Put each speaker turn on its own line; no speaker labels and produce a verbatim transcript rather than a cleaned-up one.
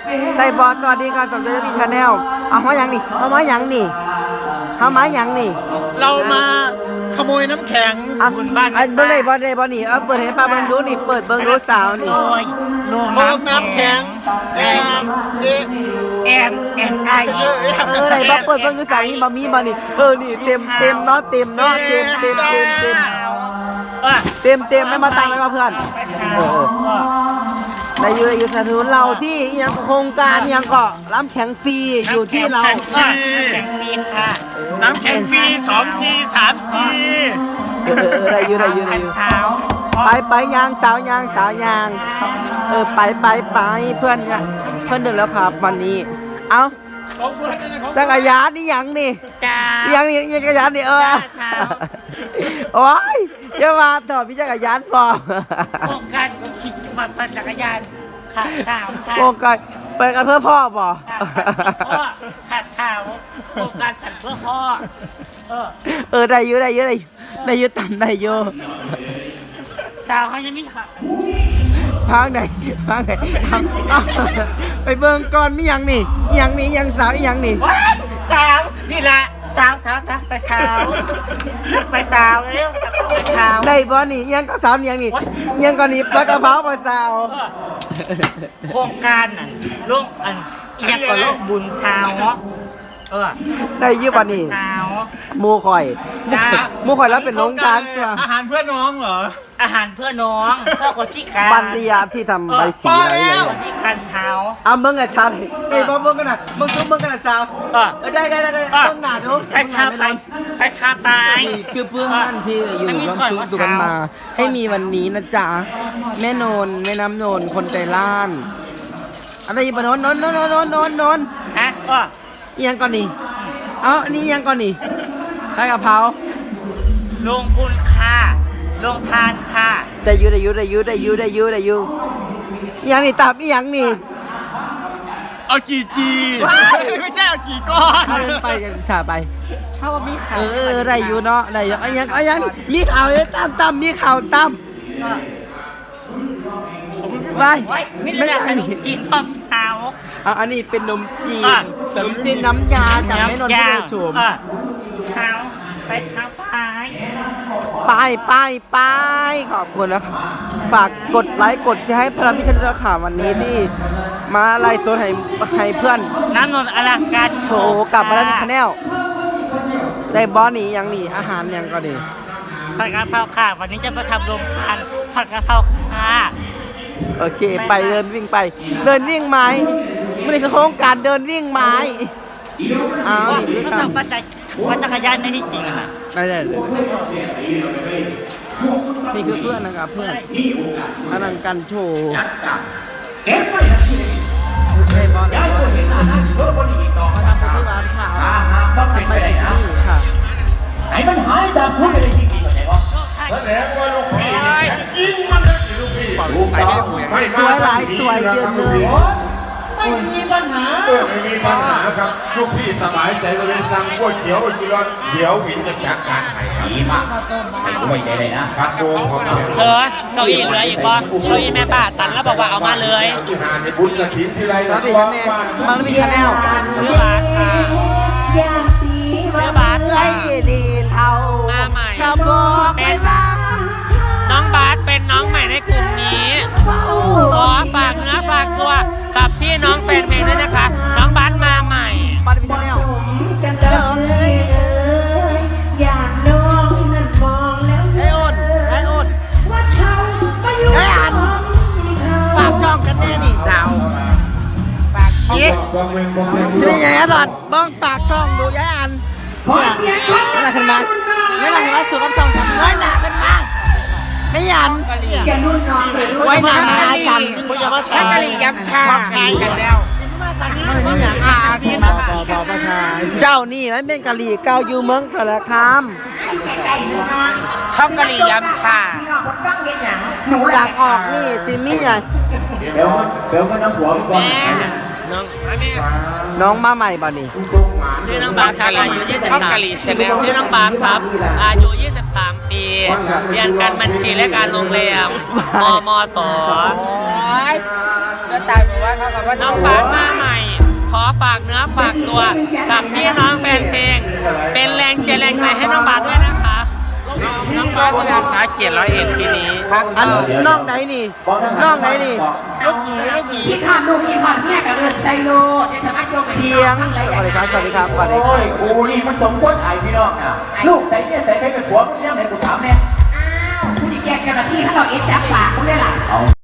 ได้บอสสวัสดีครับสมเด็จพี่ชาแนลเอามาอย่างนี่เอามาอย่างนี่เอามาอย่างนี่
เรามาขโมยน้ำแข็ง
อ่ะอันเบิ้งได้บอสได้บอสนี่เอาเปิดให้ป้าเบิ้งดูนี่เปิดเบิ้งดูสาวนี่
โลน้ำแข็งแอนแอนแอนไอ
เออได้บอสเปิดเบิ้งดูสาวนี่บะมีบะนี่เออนี่เต็มเต็มเนาะเต็มเนาะเต็มเต็มเต็มเต็มเต็มเต็มไม่มาตังไม่มาเพื่อนเออในยูในยูสถุนเราที่ยังโครงการยังเกาะน้ำแข็งฟรีอยู่ที่เรา
น้ำแข็งฟรีค่ะน้ำแข็งฟรีสองจีสามจี
เออได้ยูได้ยูได้ยูไปไปยางสาวยางสาวยางเออไปไปไปเพื่อนเนี่ยเพื่อนเดินแล้วครับวันนี้เอ้าจักรยานนี่ยังนี่ยังนี่จักรยานนี่เออโอ้ยอย่ามาต่อพี่จักรยานพอ
โครงการขี่มาปั่นจักรยานขาดสาว
โครงการไปกันเพื่อพ่อป่ะ
ขาดสาวโครงการปั่นเพื่อพ่อ
เออได้เยอะได้เยอะได้ได้เยอะต่ำได้เยอะ
สาวเขายังไม่ขับ
พังไหนพังไหนไปเบิ่งก่อนมียังนี่ยังนี่ยังสาวยังนี่
สาวนี่แหละสาวสาวทักไปสาวทักไปสาวเร็วไปสาว
ได้บ่นี่ยังก็สาวยังนี่ยังก็นี่ปลากระเพราไปสาว
โครงการน่ะร่วมอันยังก็ร่วมบุญสาวเออ
ได้ยืมบ่นี่
สาว
มูข่อยมูข่อยแล้วเป็นน้องการตัว
อาหารเพื่อน้องเหรอ
อาหารเพื่อน้องเพื่อคนที่การ
บันดียาที่ทำใบสีอะไรอย่างเงี้ย
มีการเช้า
อ่ะเบิ้งไงสาวเฮ้ยเบิ้งกันนะเบิ้งซุ้มเบิ้งกันนะสาวเออได้ได้ได้ได้เบิ้งหนาดู
ไปชาไปไปชาไป
คือเพื่อนที่อยู่ร่วมชุมนุมกันมาให้มีวันนี้นะจ๊ะแม่นนแม่น้ำนนคนใจล้านอะไรบ้านนนนนนนนนนน
อ่ะก็
ยังก่อนนี่เอ้านี่ยังก่อนนี่ได้กะเพรา
ลงบุญค่ะลงทานค่ะ
ได้ยูได้ยูได้ยูได้ยูได้ยูได้ยูยังนี่ตับอียังนี่
เอากี่จีไม่ใช่เอากี่ก้อน
เอาไปกันถ่าไป
ถ้าว่ามีข่าว
เออได้ยูเนาะได้ยูอันยังอันยังมีข่าวเลยตั้มตั้มมีข่าวตั้มไป
ไม่ได้ขนมจีนทอดสาว
เอาอันนี้เป็นนมจีนนมจีนน้ำยาจากแม่นนท์ผู้ชม
เช้าไปเช้าไป
ไปไปไปขอบคุณนะฝากกดไลค์กดแชร์ให้พลังพิชันราคาวันนี้ที่มาไล่โซนให้ให้เพื่อน
น้ำนนท์อลังการ
โชว์กลับมาแล้วที่คาแนลได้บอสนี่ยังนี่อาหารยังก็ดี
ผัดกะเพราค่ะวันนี้จะมาทำโรงทานผัดกะเพราค่ะ
โอเคไปเดินวิ่งไปเดินวิ่งไม้ไม่ได้คือโครงการเดินวิ่งไม้
อ้าวก็ต้องปัจจัยปัจจักรยานในที่จริงนะ
ไม่ได้เลยนี่คือเพื่อนนะครับเพื่อนอลังการโชว์เก็บไปได้บอลได้บอลมาทำโปรตีนข่าวทำไปสิที่ค่ะ
ไอ้มันหายจากคุณเลยจริงๆเข้าใจป่ะ
แสดงว่าลูกพี่ยิงมันเลยลูกพี่
สวยหลายสวยเยอะเลย
ไม่มีปัญหา
เออไม่มีปัญหาครับลูกพี่สบายใจก็เลยสั่งก๋วยเตี๋ยวกินร้อนเดี๋ยววินจะจัดการให้ครับ
ดีมากไม่ใจเลยนะ
พัดโดงของเรา
เธอเก้าอี้เหลืออีกบ่เก้าอี้แม่ป้าฉันแล้วบอกว่าเอามาเลย
ที่หาในบุญกระถิ่นที่ไรนะ
ว่าบางมีคะแนน
ซื้อบาทค่ะซื้อบาท
ไอ้ดีเท่า
มาใหม่
เป็น
น้องบาสเป็นน้องใหม่ในกลุ่มนี้ขอฝากเนื้อฝากตัวกับพี่น้องแฟนเพลงด้วยนะคะน้องบาสมาใหม่
บาสมีคะแนนเดินเลยอยากน้องนั่นมองแล้วไอ้อ้นไอ้อ้นว่าเขาไม่อยู่ไอ้อันฝากช่องกันแน่นี่ดาวฝากยี่ชื่อยังไงตอนบ้องฝากช่องดูยัยอันขอเสียงคนอะไรขึ้นมาไม่หลังว่าสุดกับช่องทำน้อยหนาขึ้นมาไม่ยันไว้นานมาฉันคุณจะว่า
ชักกะหรี่ยับชาขายกันแล้ว
มันนี่อย่างอาคุณมาปอปอประชาเจ้านี่มันเป็นกะหรี่เกาอยู่เมืองสารคาม
ช่องกะหรี่ยับชา
จากออกนี่ซิมี่ไง
เดี๋ยวเดี๋ยวก็น้ำหัวก่อน
น้อง
น้องมาใหม่บ่นี่
ชื่อน้องบาสครับอายุยี่สิบสามชื่อน้องบาสครับอายุยี่สิบสามปีเรียนการบัญชีและการโรงแรมมมสตายบอกว่าเขากับว่าน้องบาสมาใหม่ ขอฝากเนื้อฝากตัวกับพี่น้องแฟนเพลง เป็นแรงเชียร์แรงใจให้น้องบาสด้วยนะคะ น้องบาสจะสาเกียรติร้อยเอ็ดปีนี้ครับ
อันน้องไหนนี่น้องไหนนี่
ลูกหยีลูกหยี
คิดหอดลูกคิดหอดเมียกับเอิญไซโลจะสามารถโยกไป
เพียงสวัสดีครับสวัสดีครับสวัสดีค
โอ้
รับ
ยกูนี่มันสมควรไอ้พี่น้องอ่ะลูกใส่เนี่ยใส่ใครเป็นผัวมึงยังไงกูถามเนี่ย
อ้าวคุณดีแกเจ้าหน้าที่ถ้าเราเอ็ดจับปากกูได้หรอ
เอา